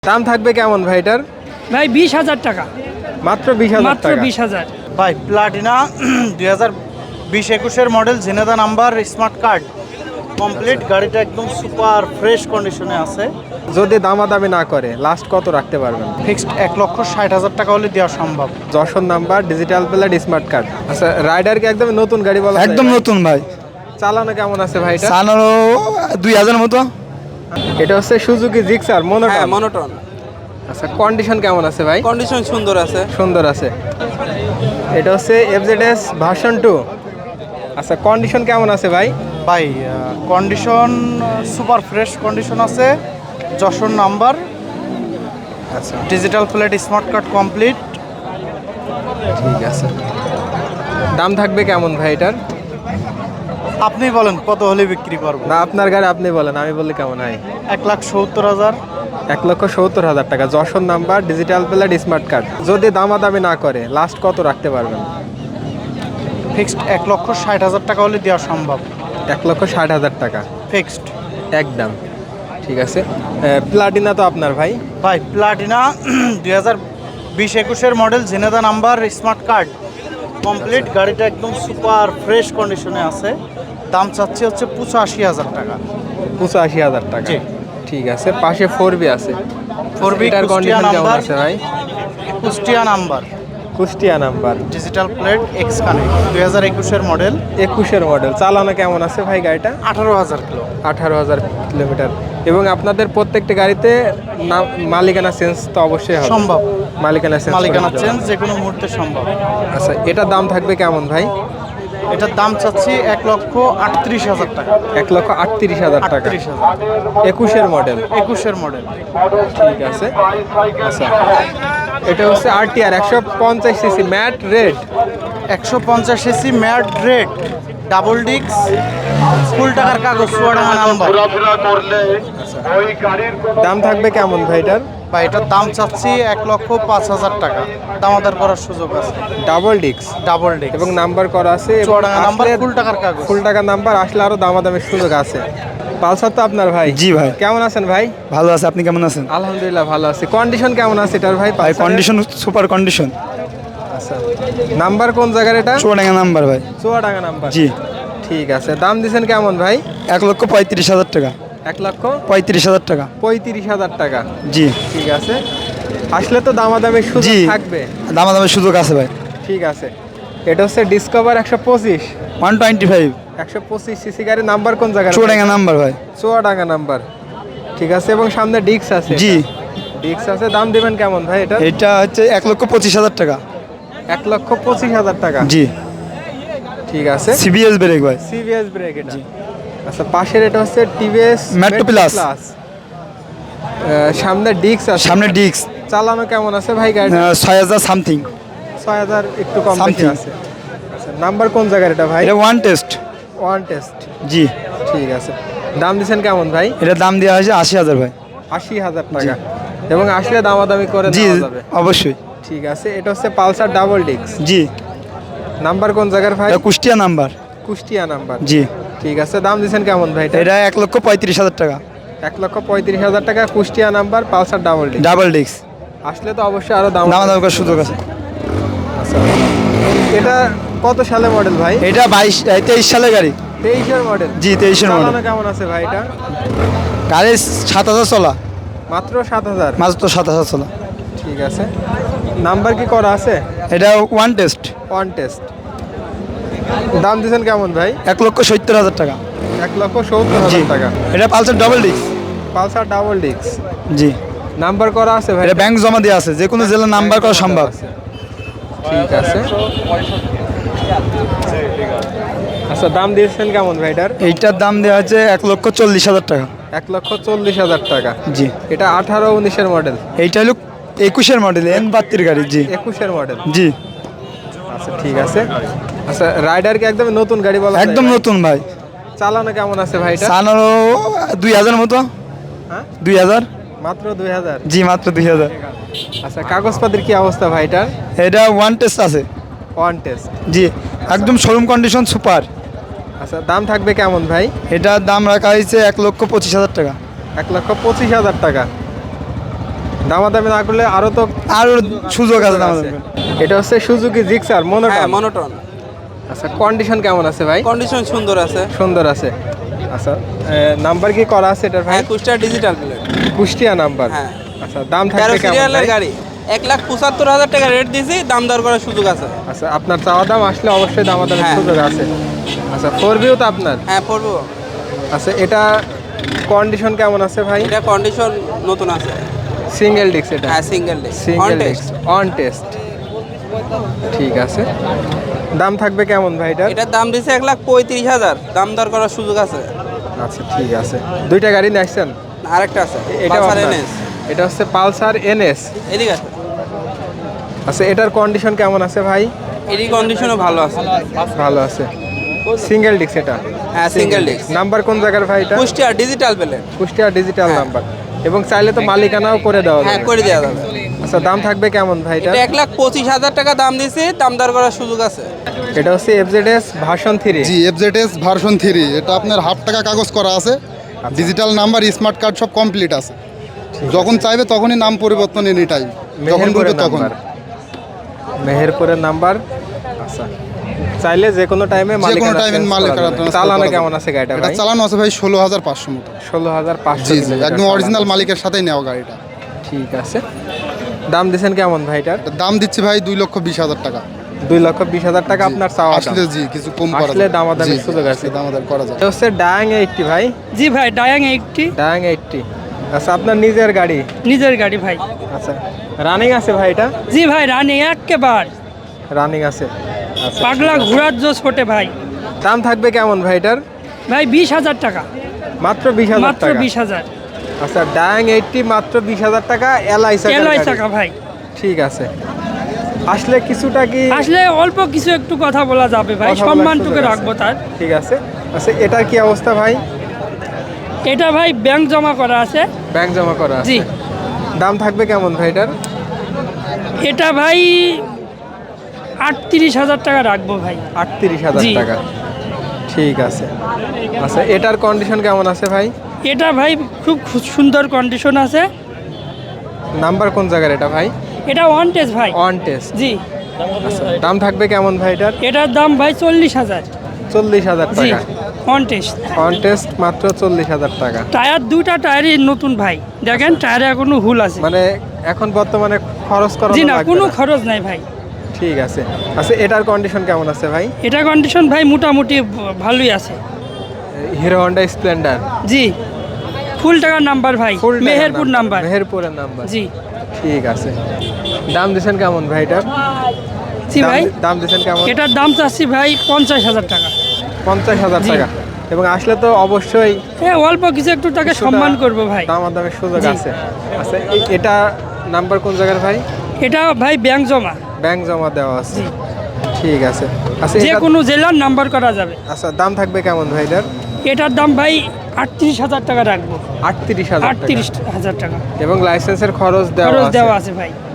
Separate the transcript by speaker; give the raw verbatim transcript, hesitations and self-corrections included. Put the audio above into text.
Speaker 1: দাম থাকবে কেমন ভাই এটার?
Speaker 2: ভাই বিশ হাজার টাকা,
Speaker 1: মাত্র বিশ হাজার
Speaker 2: মাত্র
Speaker 1: টাকা।
Speaker 2: বিশ হাজার।
Speaker 3: ভাই প্লাটিনা দুই হাজার বিশ একুশের model, Jhenaidah number, smart card complete. গাড়িটা একদম সুপার ফ্রেশ কন্ডিশনে আছে।
Speaker 1: যদি দামাদামি না করে লাস্ট কত রাখতে পারবেন?
Speaker 3: ফিক্সড এক লক্ষ ষাট হাজার টাকা হলে দেওয়া সম্ভব।
Speaker 1: Jessore number, digital plate, smart card. আচ্ছা, রাইডার কি একদম নতুন গাড়ি বলা যায়
Speaker 4: একদম
Speaker 1: ভাই?
Speaker 4: নতুন ভাই।
Speaker 1: চালানো কেমন আছে ভাই এটা?
Speaker 4: চালানো দুই হাজার মতো।
Speaker 1: এটা হচ্ছে সুজুকি জিক্সার মনোটন।
Speaker 5: হ্যাঁ, মনোটন।
Speaker 1: আচ্ছা, কন্ডিশন কেমন আছে ভাই?
Speaker 5: কন্ডিশন সুন্দর আছে।
Speaker 1: সুন্দর আছে। এটা হচ্ছে এফজেডএস ভার্সন টু। আচ্ছা, কন্ডিশন কেমন আছে ভাই?
Speaker 3: ভাই কন্ডিশন সুপার ফ্রেশ কন্ডিশন আছে। যশোর নাম্বার,
Speaker 1: আচ্ছা,
Speaker 3: digital plate, smart card complete.
Speaker 1: ঠিক আছে। দাম থাকবে কেমন ভাই এটার?
Speaker 3: আপনি বলেন কত হলে বিক্রি করবো?
Speaker 1: না, আপনার গাড়ি আপনি বলেন, আমি বললে কেমন হয়?
Speaker 3: এক লাখ সত্তর হাজার।
Speaker 1: এক লক্ষ সত্তর হাজার টাকা। Jessore number, digital plate, smart card. যদি দামাদামি না করে লাস্ট কত রাখতে পারবেন?
Speaker 3: ফিক্সড এক লক্ষ ষাট হাজার টাকা হলে দেওয়া সম্ভব।
Speaker 1: এক লক্ষ ষাট হাজার টাকা
Speaker 3: ফিক্সড
Speaker 1: একদম। ঠিক আছে। প্লাটিনা তো আপনার ভাই?
Speaker 3: ভাই প্লাটিনা দুই হাজার বিশ একুশের model, Jhenaidah number, smart card complete. গাড়িটা একদম সুপার ফ্রেশ কন্ডিশনে আছে। দাম চাচ্ছি হচ্ছে পঁচাশি হাজার টাকা।
Speaker 1: পঁচাশি হাজার টাকা।
Speaker 3: জি।
Speaker 1: ঠিক আছে। পাশে ফোর বি আছে।
Speaker 3: ফোর বি
Speaker 1: এটার
Speaker 3: কুষ্টিয়া
Speaker 1: কন্ডিশন কেমন
Speaker 3: নাম্বার,
Speaker 1: আছে ভাই?
Speaker 3: Kushtia number,
Speaker 1: Kushtia number,
Speaker 3: digital plate, X connect, দুই হাজার একুশের মডেল,
Speaker 1: একুশের মডেল। চালানো কেমন আছে ভাই গাড়িটা?
Speaker 3: আঠারো হাজার কিলো।
Speaker 1: আঠারো হাজার কিলোমিটার। এবং আপনাদের প্রত্যেকটা গাড়িতে না- মালিকানা চেঞ্জ তো অবশ্যই হবে।
Speaker 3: সম্ভব।
Speaker 1: মালিকানা চেঞ্জ
Speaker 3: মালিকানা
Speaker 1: করে দিতে
Speaker 3: চেঞ্জ
Speaker 1: হবে।
Speaker 3: যে কোনো মুহূর্তে সম্ভব।
Speaker 1: আচ্ছা, এটার দাম থাকবে কেমন ভাই?
Speaker 3: এটার দাম চাচ্ছি এক লক্ষ আটত্রিশ হাজার টাকা।
Speaker 1: এক লক্ষ আটত্রিশ হাজার টাকা।
Speaker 3: আটত্রিশ হাজার
Speaker 1: একুশের মডেল।
Speaker 3: একুশের মডেল।
Speaker 1: ঠিক আছে। আচ্ছা, এটা হচ্ছে আরটিআর একশো পঞ্চাশ সিসি ম্যাট রেড।
Speaker 3: একশো পঞ্চাশ এসি ম্যাট রেড, ডাবল ডিক্স, ফুল টাকার কাগজ, চুয়াডাঙ্গা নাম্বার।
Speaker 1: দাম থাকবে কেমন ভাই এটার?
Speaker 3: বা এটার দাম চাচ্ছি এক লক্ষ পাঁচ হাজার টাকা। দামাদার করার সুযোগ আছে।
Speaker 1: ডাবল ডিক্স
Speaker 3: ডাবল ডিক্স
Speaker 1: এবং নাম্বার করা আছে। এবং
Speaker 3: চুয়াডাঙ্গা নাম্বার,
Speaker 1: আসলে
Speaker 3: ফুল টাকার কাগজ।
Speaker 1: ফুল টাকা নাম্বার আসলে আরো দামাদামের সুযোগ আছে। পালসার তো আপনার ভাই?
Speaker 4: জি ভাই।
Speaker 1: কেমন আছেন ভাই?
Speaker 4: ভালো আছে, আপনি কেমন আছেন?
Speaker 1: আলহামদুলিল্লাহ ভালো আছি। কন্ডিশন কেমন আছে এটার ভাই?
Speaker 4: ভাই
Speaker 1: পালসারের?
Speaker 4: Condition super condition.
Speaker 1: আচ্ছা, নাম্বার কোন জায়গার এটা?
Speaker 4: চুয়াডাঙ্গা নাম্বার ভাই।
Speaker 1: চুয়াডাঙ্গা নাম্বার।
Speaker 4: জি।
Speaker 1: ঠিক আছে। দাম দিছেন কেমন ভাই?
Speaker 4: এক লক্ষ পঁয়ত্রিশ হাজার টাকা।
Speaker 1: এক লক্ষ
Speaker 4: পঁয়ত্রিশ হাজার টাকা।
Speaker 1: পঁয়ত্রিশ হাজার টাকা।
Speaker 4: জি।
Speaker 1: ঠিক আছে। আসলে তো দামাদামের সুযোগ
Speaker 4: জি।
Speaker 1: থাকবে।
Speaker 4: দামাদামের সুযোগ আছে ভাই।
Speaker 1: ঠিক আছে। এটা হচ্ছে ডিসকভার একশো পঁচিশ।
Speaker 4: One twenty five.
Speaker 1: একশো পঁচিশ সিসি গাড়ি। নাম্বার কোন জায়গায়?
Speaker 4: চুয়াডাঙ্গা নাম্বার ভাই।
Speaker 1: চুয়াডাঙ্গা নাম্বার। ঠিক আছে। এবং সামনে ডিক্স আছে।
Speaker 4: জি।
Speaker 1: ডিক্স আছে। দাম দিবেন কেমন ভাই এটা?
Speaker 4: এটা হচ্ছে এক লক্ষ পঁচিশ হাজার টাকা।
Speaker 1: এক লক্ষ পঁচিশ হাজার টাকা।
Speaker 4: জি।
Speaker 1: ঠিক আছে।
Speaker 4: সিবিএস ব্রেক ভাই।
Speaker 1: সিভিএস ব্রেক এটা। আচ্ছা, পাশের এটা হচ্ছে টিভিএস
Speaker 4: Metro Plus।
Speaker 1: সামনে ডিক্স আছে।
Speaker 4: সামনে ডিস্ক
Speaker 1: চালানো কেমন আছে ভাই গাড়ি?
Speaker 4: ছয় হাজার সামথিং।
Speaker 1: ছয় হাজার একটু কম বেশি
Speaker 4: Something।
Speaker 1: আছে। আচ্ছা, নাম্বার কোন জায়গার এটা ভাই?
Speaker 4: এটা ওয়ান টেস্ট।
Speaker 1: One test.
Speaker 4: জি।
Speaker 1: ঠিক আছে। দাম দিচ্ছেন কেমন ভাই?
Speaker 4: এটার দাম দেওয়া হয়েছে আশি হাজার ভাই।
Speaker 1: আশি হাজার টাকা। এবং আসলে দামাদামি করে
Speaker 4: জি
Speaker 1: দেওয়া যাবে।
Speaker 4: অবশ্যই।
Speaker 1: ঠিক আছে। এটা হচ্ছে পালসার ডাবল ডিক্স।
Speaker 4: জি।
Speaker 1: নাম্বার কোন জায়গার ভাই?
Speaker 4: এটা কুষ্টিয়া নাম্বার।
Speaker 1: কুষ্টিয়া নাম্বার।
Speaker 4: জি।
Speaker 1: ঠিক আছে। দাম দিচ্ছেন কেমন ভাই এটা?
Speaker 4: এটা এক লক্ষ পঁয়ত্রিশ হাজার টাকা।
Speaker 1: এক লক্ষ পঁয়ত্রিশ হাজার টাকা। কুষ্টিয়া নাম্বার, পালসার ডাবল ডিক্স।
Speaker 4: Double disc.
Speaker 1: আসলে তো অবশ্যই আরো দাম
Speaker 4: দামা দাম করার সুযোগ আছে।
Speaker 1: আচ্ছা, এটা কত সালে মডেল ভাই?
Speaker 4: এটা বাইশ তেইশ সালের গাড়ি।
Speaker 1: তেইশের মডেল।
Speaker 4: জি তেইশের মডেল।
Speaker 1: চালানো কেমন আছে ভাই এটা?
Speaker 4: গাড়ি সাত হাজার চলা।
Speaker 1: মাত্র সাত হাজার।
Speaker 4: মাত্র সাত হাজার চলা।
Speaker 1: ঠিক আছে। নাম্বার কি করা আছে?
Speaker 4: এটা ওয়ান টেস্ট।
Speaker 1: One test. দাম দিচ্ছেন কেমন ভাই?
Speaker 4: এক লক্ষ সত্তর হাজার টাকা।
Speaker 1: এক লক্ষ সত্তর
Speaker 4: জি।
Speaker 1: হাজার টাকা।
Speaker 4: এটা Pulsar double disc.
Speaker 1: Pulsar double ডিক্স।
Speaker 4: জি।
Speaker 1: নাম্বার করা আছে ভাই?
Speaker 4: এটা ব্যাংক জমা দেওয়া আছে, যে কোনো জেলার নাম্বার করা সম্ভব।
Speaker 1: ঠিক আছে। আচ্ছা, দাম দিয়েছেন কেমন ভাই এটার?
Speaker 4: এইটার দাম দেওয়া হচ্ছে এক লক্ষ চল্লিশ হাজার টাকা।
Speaker 1: এক লক্ষ চল্লিশ হাজার টাকা।
Speaker 4: জি।
Speaker 1: এটা আঠারো উনিশের মডেল।
Speaker 4: এইটা হলো একুশের মডেল, এন বাত্তির গাড়ি। জি।
Speaker 1: একুশের মডেল।
Speaker 4: জি।
Speaker 1: আচ্ছা, ঠিক আছে। আচ্ছা, রাইডার কি একদম নতুন গাড়ি বলা যায়
Speaker 4: একদম
Speaker 1: ভাই?
Speaker 4: নতুন ভাই।
Speaker 1: চালানো কেমন আছে ভাই এটা?
Speaker 4: চালানো দুই হাজার মতো।
Speaker 1: হ্যাঁ,
Speaker 4: দুই হাজার।
Speaker 1: মাত্র দুই হাজার।
Speaker 4: জি মাত্র দুই হাজার।
Speaker 1: আচ্ছা, কাগজপাতির কি অবস্থা ভাই এটার?
Speaker 4: এটা ওয়ান টেস্ট আছে।
Speaker 1: One test.
Speaker 4: জি। একদম শোরুম কন্ডিশন সুপার।
Speaker 1: আচ্ছা, দাম থাকবে কেমন ভাই?
Speaker 4: এটার দাম রাখা হয়েছে এক লক্ষ পঁচিশ হাজার টাকা।
Speaker 1: এক লক্ষ পঁচিশ হাজার টাকা। দামাদামি না করলে আরো তো
Speaker 4: আর সুযোগ আছে আমাদের।
Speaker 1: এটা হচ্ছে সুজুকি জিক্সার
Speaker 5: হ্যাঁ
Speaker 1: মনোটন।
Speaker 5: মনোটন।
Speaker 1: আচ্ছা কন্ডিশন কেমন আছে ভাই?
Speaker 5: কন্ডিশন সুন্দর আছে।
Speaker 1: সুন্দর আছে। আচ্ছা নাম্বার কি করা আছে এটার ভাই?
Speaker 5: হ্যাঁ Kushtia digital plate.
Speaker 1: Kushtia number.
Speaker 5: হ্যাঁ।
Speaker 1: আচ্ছা দাম
Speaker 5: তেরো
Speaker 1: থাকবে কেমন
Speaker 5: সিরিয়ালের
Speaker 1: ভাই?
Speaker 5: গাড়ি এক লাখ পঁচাত্তর হাজার টাকা রেট দিয়েছি, দাম দর করার সুযোগ আছে।
Speaker 1: আচ্ছা আপনার চাওয়া দাম আসলে অবশ্যই দামাদামির
Speaker 5: হ্যাঁ।
Speaker 1: সুযোগ আছে। আচ্ছা ফোর ভিউ তো আপনার।
Speaker 5: হ্যাঁ পড়বো।
Speaker 1: আচ্ছা এটা কন্ডিশন কেমন আছে ভাই?
Speaker 5: এটা কন্ডিশন নতুন আছে।
Speaker 1: সিঙ্গেল ডিস্ক এটা?
Speaker 5: হ্যাঁ সিঙ্গেল ডে
Speaker 1: সিঙ্গেল ডিস্ক অন টেস্ট। ঠিক আছে। দাম থাকবে কেমন ভাই এটার?
Speaker 5: এটার দাম দিয়েছে এক লাখ পঁয়ত্রিশ হাজার, দাম দর করার সুযোগ আছে।
Speaker 1: আচ্ছা ঠিক আছে। দুইটা গাড়ি নিয়ে আসছেন?
Speaker 5: আরেকটা আছে
Speaker 1: এটা
Speaker 5: পালসার এনএস।
Speaker 1: এটা হচ্ছে পালসার এনএস।
Speaker 5: এদিকে আছে।
Speaker 1: আচ্ছা এটার কন্ডিশন কেমন আছে ভাই?
Speaker 5: এডি কন্ডিশনও ভালো আছে।
Speaker 1: ভালো আছে। সিঙ্গেল ডিস্ক এটা?
Speaker 5: হ্যাঁ সিঙ্গেল ডিস্ক।
Speaker 1: নাম্বার কোন জায়গার ভাই এটা?
Speaker 5: Kushtia digital plate.
Speaker 1: Kushtia digital
Speaker 5: হ্যাঁ।
Speaker 1: নাম্বার। এবং চাইলে তো মালিকানাও করে দেওয়া
Speaker 5: হ্যাঁ
Speaker 1: যাবে।
Speaker 5: করে দেওয়া যাবে।
Speaker 1: আচ্ছা দাম থাকবে কেমন ভাই এটা?
Speaker 5: এটা এক লাখ পঁচিশ হাজার টাকা দাম দিয়েছি, দাম দর করার সুযোগ আছে।
Speaker 1: এটা হচ্ছে এফজেডএস ভার্সন থ্রি।
Speaker 6: জি এফজেডএস ভার্সন থ্রি, এটা আপনার হাফ টাকা কাগজ করা আছে, ডিজিটাল নাম্বার স্মার্ট কার্ড সব কমপ্লিট আছে। যখন চাইবে তখনই নাম পরিবর্তন এনি টাইম, যখন বলবে তখন।
Speaker 1: মেহেরপুরের নাম্বার। আচ্ছা চাইলে যে কোনো টাইমে
Speaker 6: যে কোনো টাইমে মালিকানা transfer
Speaker 1: চালানো
Speaker 6: করা যাবে।
Speaker 1: কেমন আছে গাড়িটা
Speaker 6: এটা
Speaker 1: ভাই?
Speaker 6: চালানো আছে ভাই ষোলো হাজার পাঁচশো মতো।
Speaker 1: ষোলো হাজার পাঁচশো
Speaker 6: জি জি একদম অরিজিনাল মালিকের সাথেই নেওয়া গাড়িটা।
Speaker 1: ঠিক আছে। দাম দিচ্ছেন কেমন ভাইটার?
Speaker 6: এটার দাম দিচ্ছি ভাই দুই লক্ষ বিশ হাজার টাকা।
Speaker 1: দুই লক্ষ বিশ হাজার টাকা আপনার চাওয়া দাম।
Speaker 6: আসলে জি কিছু কম করা
Speaker 1: আসলে
Speaker 6: যাবে।
Speaker 1: দামাদামির
Speaker 6: জি,
Speaker 1: সুযোগ আছে।
Speaker 6: আসলে দামাদামি করা যাবে।
Speaker 1: এটা হচ্ছে ডায়াং এইটটি ভাই।
Speaker 2: জি ভাই ডায়াং এইটটি
Speaker 1: ডায়াং এইটটি। আচ্ছা আপনার নিজের গাড়ি?
Speaker 2: নিজের গাড়ি ভাই।
Speaker 1: আচ্ছা রানিং আছে ভাই এটা?
Speaker 2: জি ভাই রানি একেবারে
Speaker 1: রানিং আছে। আচ্ছা
Speaker 2: পাগলা ঘোড়ার জোশ ফোটে ভাই।
Speaker 1: দাম থাকবে কেমন ভাই এটার?
Speaker 2: ভাই বিশ হাজার টাকা,
Speaker 1: মাত্র বিশ হাজার
Speaker 2: মাত্র
Speaker 1: টাকা।
Speaker 2: বিশ হাজার
Speaker 1: আচ্ছা ডায়াং এইটটি মাত্র বিশ হাজার টাকা এলআই
Speaker 2: এলআই টাকা ভাই।
Speaker 1: ঠিক আছে। আসলে কিছুটা কি
Speaker 2: আসলে অল্প কিছু একটু কথা বলা যাবে ভাই,
Speaker 1: কথা বলার
Speaker 2: সম্মানটুকু
Speaker 1: সুযোগ আছে?
Speaker 2: রাখবো তার।
Speaker 1: ঠিক আছে। আচ্ছা এটার কি অবস্থা ভাই?
Speaker 2: এটা ভাই ব্যাংক জমা করা আছে।
Speaker 1: ব্যাংক জমা করা আছে।
Speaker 2: জি।
Speaker 1: দাম থাকবে কেমন ভাই এটার?
Speaker 2: এটা ভাই আটত্রিশ হাজার টাকা রাখবো ভাই।
Speaker 1: আটত্রিশ হাজার
Speaker 2: জি।
Speaker 1: টাকা। ঠিক আছে। আচ্ছা এটার কন্ডিশন কেমন আছে ভাই?
Speaker 2: এটা ভাই খুব খু- সুন্দর কন্ডিশন আছে।
Speaker 1: নাম্বার কোন জায়গার এটা ভাই?
Speaker 2: এটা ওয়ান টেস্ট ভাই।
Speaker 1: On test.
Speaker 2: জি।
Speaker 1: দাম থাকবে কেমন ভাই এটার?
Speaker 2: এটার দাম ভাই চল্লিশ হাজার।
Speaker 1: চল্লিশ হাজার
Speaker 2: জি
Speaker 1: টাকা।
Speaker 2: One test.
Speaker 1: অন টেস্ট মাত্র চল্লিশ হাজার টাকা।
Speaker 2: টায়ার দুটা টায়ারই নতুন ভাই, দেখেন টায়ারে এখনো হুল আছে।
Speaker 1: মানে এখন বর্তমানে খরচ করা
Speaker 2: জি না কোনো খরচ নাই ভাই।
Speaker 1: ঠিক আছে। আচ্ছা এটার কন্ডিশন কেমন আছে ভাই?
Speaker 2: এটা কন্ডিশন ভাই মোটামুটি ভ- ভালোই আছে।
Speaker 1: Hero Honda Splendor.
Speaker 2: জি ফুল টাকার নাম্বার ভাই,
Speaker 1: ফুল টাকার
Speaker 2: মেহেরপুর নাম্বার।
Speaker 1: মেহেরপুরের নাম্বার।
Speaker 2: জি
Speaker 1: ঠিক আছে। দাম দিচ্ছেন কেমন ভাই এটার?
Speaker 2: জি
Speaker 1: দাম
Speaker 2: ভাই
Speaker 1: দি- দাম দিচ্ছেন কেমন?
Speaker 2: এটার দাম চাচ্ছি ভাই পঞ্চাশ হাজার টাকা।
Speaker 1: পঞ্চাশ হাজার
Speaker 2: জি।
Speaker 1: টাকা। এবং আসলে তো অবশ্যই
Speaker 2: হ্যাঁ অল্প কিছু একটু টাকা
Speaker 1: কিছুটা
Speaker 2: সম্মান করবো ভাই।
Speaker 1: দামাদামের সুযোগ
Speaker 2: জি।
Speaker 1: আছে। আচ্ছা এ- এটা নাম্বার কোন জায়গার ভাই?
Speaker 2: এটা ভাই ব্যাংক জমা,
Speaker 1: ব্যাংক জমা দেওয়া আছে।
Speaker 2: জি।
Speaker 1: ঠিক আছে। আচ্ছা
Speaker 2: যে
Speaker 1: এটা-
Speaker 2: কোনো জেলার নাম্বার করা যাবে।
Speaker 1: আচ্ছা দাম থাকবে কেমন ভাই এটার?
Speaker 2: এটার দাম ভাই আটত্রিশ হাজার টাকা রাখবো।
Speaker 1: আটত্রিশ হাজার টাকা।
Speaker 2: আটত্রিশ হাজার টাকা
Speaker 1: এবং লাইসেন্সের খরচ দেওয়া
Speaker 2: খরচ
Speaker 1: আছে।
Speaker 2: দেওয়া আছে ভাই।